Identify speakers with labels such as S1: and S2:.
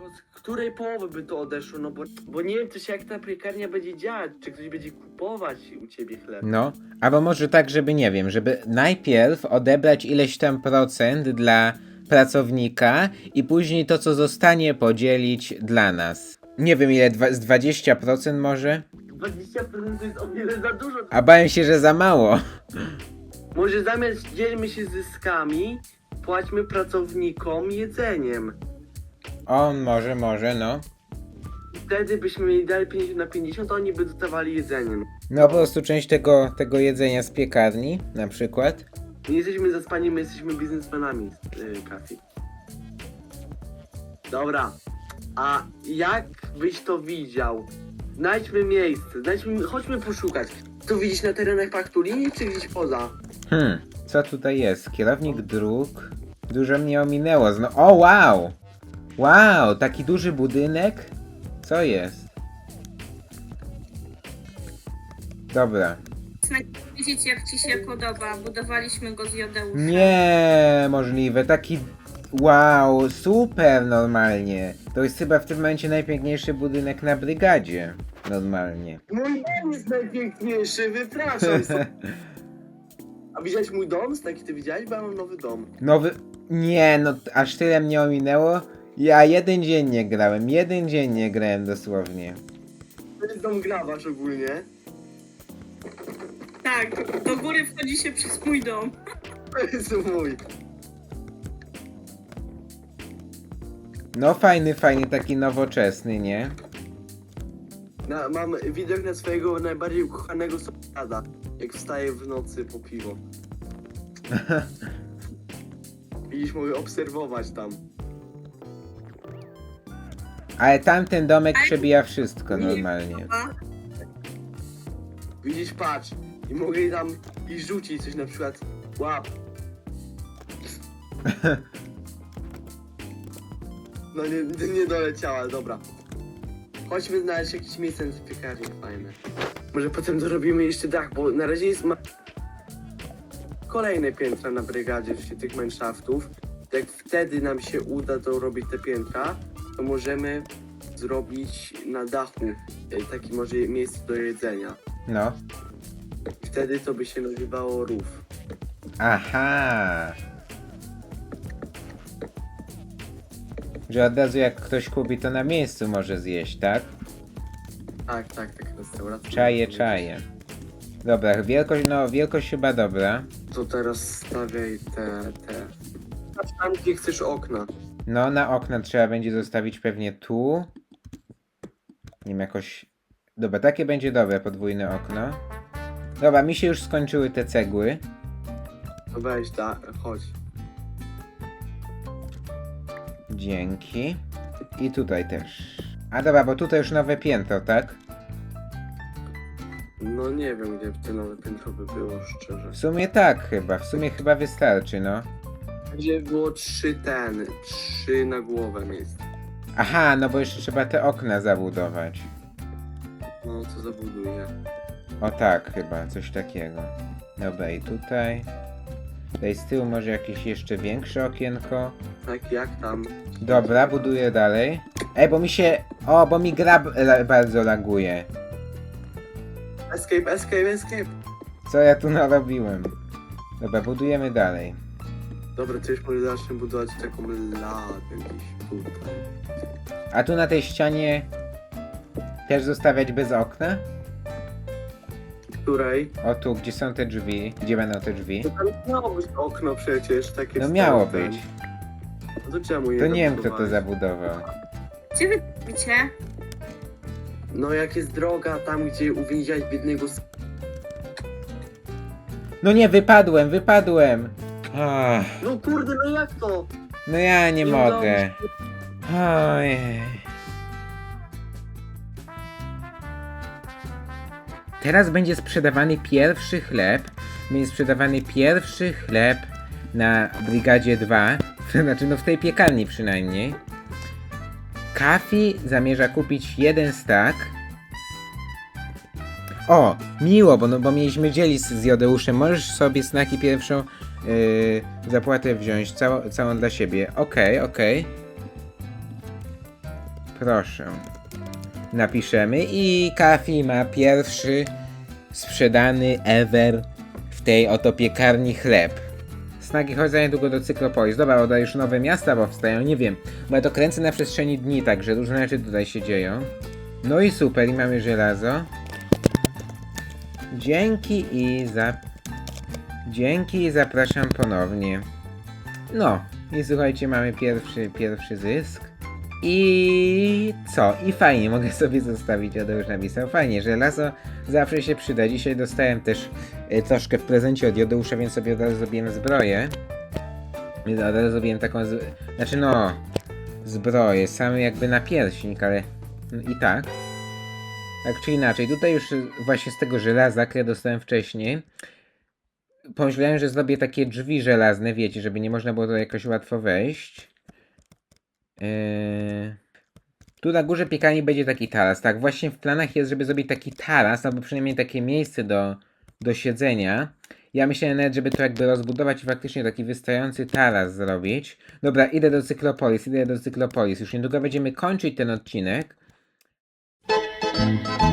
S1: z której połowy by to odeszło, no bo nie wiem też jak ta piekarnia będzie działać, czy ktoś będzie kupować u ciebie chleb.
S2: No, albo może tak, żeby nie wiem, żeby najpierw odebrać ileś tam procent dla pracownika i później to, co zostanie, podzielić dla nas. Nie wiem ile, z 20% może?
S1: 20% to jest o wiele za dużo.
S2: A bałem się, że za mało.
S1: Może zamiast dzielmy się zyskami, płaćmy pracownikom jedzeniem.
S2: O, może, no.
S1: I wtedy byśmy mieli dalej 50/50, a oni by dostawali jedzeniem.
S2: No po prostu część tego jedzenia z piekarni, na przykład.
S1: Nie jesteśmy zaspani, my jesteśmy biznesmenami, Kafi. Dobra, a jak byś to widział? Znajdźmy miejsce, chodźmy poszukać. To widzisz na terenach paktu linii, czy gdzieś poza?
S2: Co tutaj jest? Kierownik dróg. Dużo mnie ominęło. O, wow! Wow, taki duży budynek? Co jest? Dobra.
S3: Wiedzieć jak ci się podoba, budowaliśmy go z jodeusza.
S2: Nie, możliwe. Taki... Wow, super normalnie. To jest chyba w tym momencie najpiękniejszy budynek na brygadzie. Normalnie.
S1: Mój dom jest najpiękniejszy, wypraszam. A widziałeś mój dom? Taki ty widziałeś? Bo ja mam nowy dom.
S2: Nowy... Nie, no aż tyle mnie ominęło. Ja jeden dzień nie grałem dosłownie.
S1: To jest dom grabarz ogólnie.
S3: Tak, do góry wchodzi się przez mój dom.
S1: To jest mój.
S2: No fajny, taki nowoczesny, nie?
S1: Mam widok na swojego najbardziej ukochanego sąsiada, jak wstaje w nocy po piwo. Widzisz, mogę obserwować tam.
S2: Ale tamten domek przebija wszystko normalnie.
S1: Widzisz, patrz. I mogę tam i rzucić coś, na przykład łap. No nie doleciała, dobra. Chodźmy znaleźć jakieś miejsce na piekarni fajne. Może potem dorobimy jeszcze dach, bo na razie jest kolejne piętra na brygadzie, tych mineshaftów. Jak wtedy nam się uda dorobić te piętra, to możemy zrobić na dachu takie może miejsce do jedzenia.
S2: No.
S1: Wtedy to by się nazywało rów.
S2: Aha. Że od razu jak ktoś kupi, to na miejscu może zjeść, tak?
S1: Tak, restauracja.
S2: Czaję. Dobra, wielkość chyba dobra.
S1: To teraz stawiaj te. Patrz tam, gdzie chcesz okna.
S2: No, na okna trzeba będzie zostawić pewnie tu. Nie wiem, jakoś... Dobra, takie będzie dobre, podwójne okno. Dobra, mi się już skończyły te cegły.
S1: No weź, chodź.
S2: Dzięki. I tutaj też. A dobra, bo tutaj już nowe piętro, tak?
S1: No nie wiem, gdzie te nowe piętro by było, szczerze.
S2: W sumie tak chyba, wystarczy, no.
S1: Gdzie było 3 na głowę miejsc.
S2: Aha, no bo jeszcze trzeba te okna zabudować.
S1: No, co zabuduję.
S2: O tak, chyba, coś takiego. Dobra, i tutaj. Tutaj z tyłu może jakieś jeszcze większe okienko.
S1: Tak, jak tam?
S2: Dobra, buduję dalej. Bo mi się... bo mi gra bardzo laguje.
S1: Escape.
S2: Co ja tu narobiłem? Dobra, budujemy dalej.
S1: Dobra, to już może zacznę budować taką ladę gdzieś tutaj.
S2: A tu na tej ścianie też zostawiać bez okna?
S1: Której?
S2: O tu, gdzie są te drzwi? Gdzie będą te drzwi?
S1: To tam miało być okno przecież, takie
S2: No miało
S1: stare,
S2: być.
S1: No to czemu je
S2: To nie wiem, kto to
S1: zabudowałeś?
S2: zabudował.
S3: Gdzie wy robicie?
S1: No jak jest droga tam, gdzie uwięziłeś biednego
S2: No nie, wypadłem! Ach,
S1: No kurde, no jak to?
S2: no ja nie
S1: udało mi
S2: mogę.
S1: się.
S2: Ojej. Teraz będzie sprzedawany pierwszy chleb. Będzie sprzedawany pierwszy chleb na Brygadzie 2. Znaczy, no w tej piekarni przynajmniej. Kafi zamierza kupić 1 stack. O, miło, bo mieliśmy dzielić z Jodeuszem. Możesz sobie snaki pierwszą zapłatę wziąć, całą dla siebie. Okej. Proszę. Napiszemy i Kafi ma pierwszy sprzedany ever w tej oto piekarni chleb. Snagi, chodź za niedługo do Cyklopolis. Dobra, oda już nowe miasta powstają, nie wiem. Bo ja to kręcę na przestrzeni dni, także różne rzeczy tutaj się dzieją. No i super, i mamy żelazo. Dzięki i zapraszam ponownie. No, i słuchajcie, mamy pierwszy zysk. I co? I fajnie, mogę sobie zostawić, Odo już napisał. Fajnie, żelazo zawsze się przyda. Dzisiaj dostałem też troszkę w prezencie od Jodeusza, więc sobie od razu zrobiłem zbroję. Od razu zrobiłem taką, znaczy no, zbroję, same jakby na pierśnik, ale i tak. Tak czy inaczej, tutaj już właśnie z tego żelaza, które dostałem wcześniej, pomyślałem, że zrobię takie drzwi żelazne, wiecie, żeby nie można było tutaj jakoś łatwo wejść. Tu na górze piekarni będzie taki taras. Tak, właśnie w planach jest, żeby zrobić taki taras, albo przynajmniej takie miejsce do siedzenia. Ja myślałem nawet, żeby to jakby rozbudować i faktycznie taki wystający taras zrobić. Dobra, idę do Cyklopolis. Już niedługo będziemy kończyć ten odcinek.